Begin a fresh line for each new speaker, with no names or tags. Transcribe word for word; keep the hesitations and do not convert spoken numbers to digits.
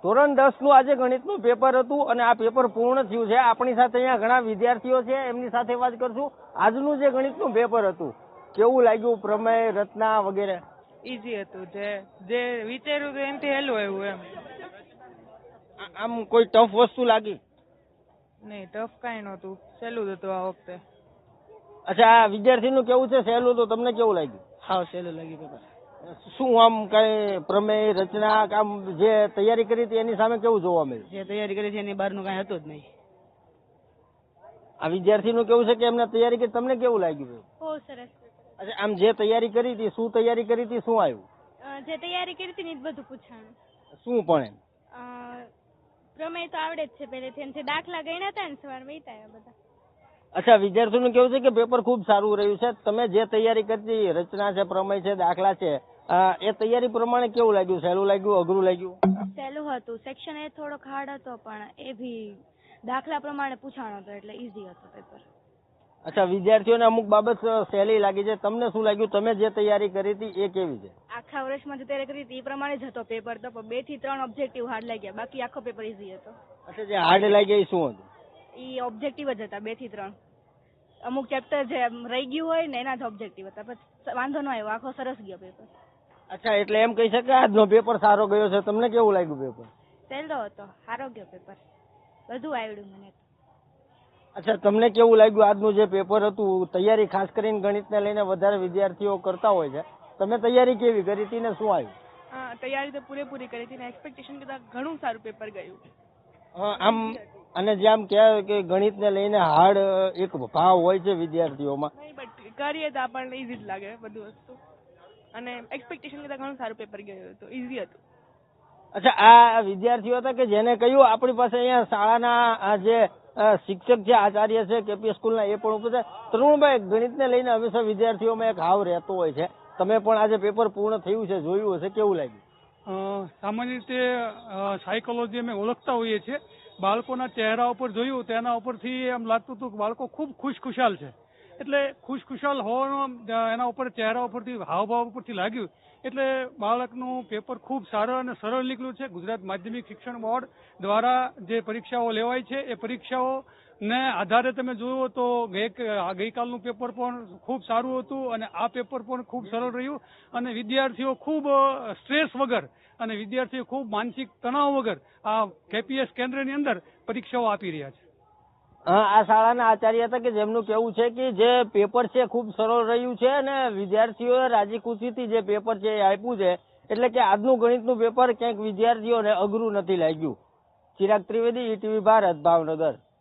ધોરણ દસ નું આજે ગણિતનું પેપર હતું અને આ પેપર પૂર્ણ થયું છે. આપણી સાથે અહીંયા ઘણા વિદ્યાર્થીઓ છે, એમની સાથે વાત કરશું. આજનું જે ગણિતનું પેપર હતું કેવું લાગ્યું? પ્રમેય, રચના વગેરે
ઈઝી હતું. જે જે વિચાર્યું હતું એનાથી હેલું આવ્યું એમ.
આમ કોઈ ટફ વસ્તુ લાગી?
નહીં, ટફ કાંઈ નહોતું, સહેલું જ હતું આ વખતે.
અચ્છા, આ વિદ્યાર્થીનું કેવું છે સહેલું હતું, તમને કેવું લાગ્યું?
હાવ સહેલું લાગ્યું પેપર.
શું આમ કઈ પ્રમેય, રચના, આમ જે તૈયારી કરી હતી એની સામે કેવું જોવા મળ્યું?
જે તૈયારી કરી છે એની બહારનું કાંઈ હતું જ નહીં.
આ વિદ્યાર્થીનું કેવું છે કે એમને તૈયારી કરી, તમને કેવું લાગ્યું?
બહુ સરસ.
અચ્છા, આમ જે તૈયારી કરી હતી, શું તૈયારી કરી હતી, શું આવ્યું?
જે તૈયારી કરી હતી ને એ જ બધું પૂછાણું.
શું પણ એમ?
પ્રમેય તો આવડે જ છે પહેલેથી, અને જે દાખલા ગણ્યા હતા ને સવાર વહીતા બધા.
અચ્છા, વિદ્યાર્થીઓનું કેવું છે કે પેપર ખૂબ સારું રહ્યું છે. તમે જે તૈયારી કરી, રચના છે, પ્રમેય છે, દાખલા છે, એ તૈયારી પ્રમાણે કેવું લાગ્યું? સહેલું લાગ્યું, અઘરું લાગ્યું?
સહેલું હતું. સેક્શન એ થોડોક હાર્ડ હતો, પણ એ બી દાખલા પ્રમાણે પૂછાણો હતો એટલે ઈઝી હતો પેપર.
અચ્છા, વિદ્યાર્થીઓને અમુક બાબત સહેલી લાગી છે. તમને શું લાગ્યું? તમે જે તૈયારી કરી હતી એ કેવી છે?
આખા વર્ષમાં જે તૈયારી કરી હતી એ પ્રમાણે જ હતો પેપર તો, પણ બે થી ત્રણ ઓબ્જેક્ટિવ હાર્ડ લાગ્યા, બાકી આખો પેપર ઈઝી હતો.
અચ્છા, જે હાર્ડ લાગ્યા એ શું હતું?
એ ઓબ્જેક્ટિવ જ હતા, બે થી ત્રણ. અમુક ચેપ્ટર જે રહી ગયું હોય ને એના જ ઓબ્જેક્ટિવ હતા, પછી વાંધો ન આવ્યો, આખો સરસ ગયો પેપર.
અચ્છા, એટલે એમ કહી શકાય આજનો પેપર સારો ગયો છે. તમને કેવું લાગ્યું પેપર?
સહેલો હતો, સારો ગયો પેપર, બધું આવડ્યું મને.
અચ્છા, તમને કેવું લાગ્યું આજનું જે પેપર હતું? તૈયારી ખાસ કરીને ગણિતને લઈને વધારે વિદ્યાર્થીઓ કરતા હોય છે. તમે તૈયારી કેવી કરી હતી ને શું આવ્યું?
હા, તૈયારી તો પૂરેપૂરી કરી હતી ને એક્સપેક્ટેશન કરતાં ઘણું સારું પેપર ગયું.
આમ અને જે આમ કહેવાય કે ગણિતને લઈને હાર્ડ એક ભાવ હોય છે વિદ્યાર્થીઓમાં.
નહીં, બટ કરીએ તો આપણને ઈઝી જ લાગે બધું વસ્તુ, અને એક્સપેક્ટેશન કરતાં ઘણું સારું પેપર ગયું હતું, ઈઝી હતું.
અચ્છા, આ વિદ્યાર્થીઓ હતા કે જેને કહ્યું આપણી પાસે અહીંયા શાળાના આ જે શિક્ષક છે, આચાર્ય છે, કેપી સ્કૂલના, એ પણ ઉપસ્થિત. તરુણભાઈ, ગણિતને લઈને હંમેશા વિદ્યાર્થીઓમાં એક હાવ રહેતો હોય છે. તમે પણ આજે પેપર પૂર્ણ થયું છે, જોયું હશે, કેવું લાગ્યું?
સામાન્ય રીતે સાયકોલોજી અમે ઓળખતા હોઈએ છીએ. બાળકોના ચહેરા ઉપર જોયું તેના ઉપરથી એમ લાગતું હતું કે બાળકો ખૂબ ખુશખુશાલ છે. એટલે ખુશખુશાલ હોવાનું એના ઉપર ચહેરા ઉપરથી, હાવભાવ ઉપરથી લાગ્યું. એટલે બાળકનું પેપર ખૂબ સારું અને સરળ નીકળ્યું છે. ગુજરાત માધ્યમિક શિક્ષણ બોર્ડ દ્વારા જે પરીક્ષાઓ લેવાય છે એ પરીક્ષાઓ ને આધારે તમે જુઓ તો ગઈકાલનું પેપર પણ ખૂબ સારું હતું અને આ પેપર પણ ખૂબ સરળ રહ્યું, અને વિદ્યાર્થીઓ ખૂબ સ્ટ્રેસ વગર અને વિદ્યાર્થીઓ ખૂબ માનસિક તણાવ વગર આ કેપીએસ કેન્દ્રની અંદર પરીક્ષાઓ આપી રહ્યા છે.
આ શાળાના આચાર્ય હતા કે જેમનું કેવું છે કે જે પેપર છે ખૂબ સરળ રહ્યું છે અને વિદ્યાર્થીઓએ રાજી ખુશીથી જે પેપર છે એ આપ્યું છે. એટલે કે આજનું ગણિતનું પેપર ક્યાંક વિદ્યાર્થીઓને અઘરું નથી લાગ્યું. ચિરાગ ત્રિવેદી, ઈટીવી ભારત, ભાવનગર.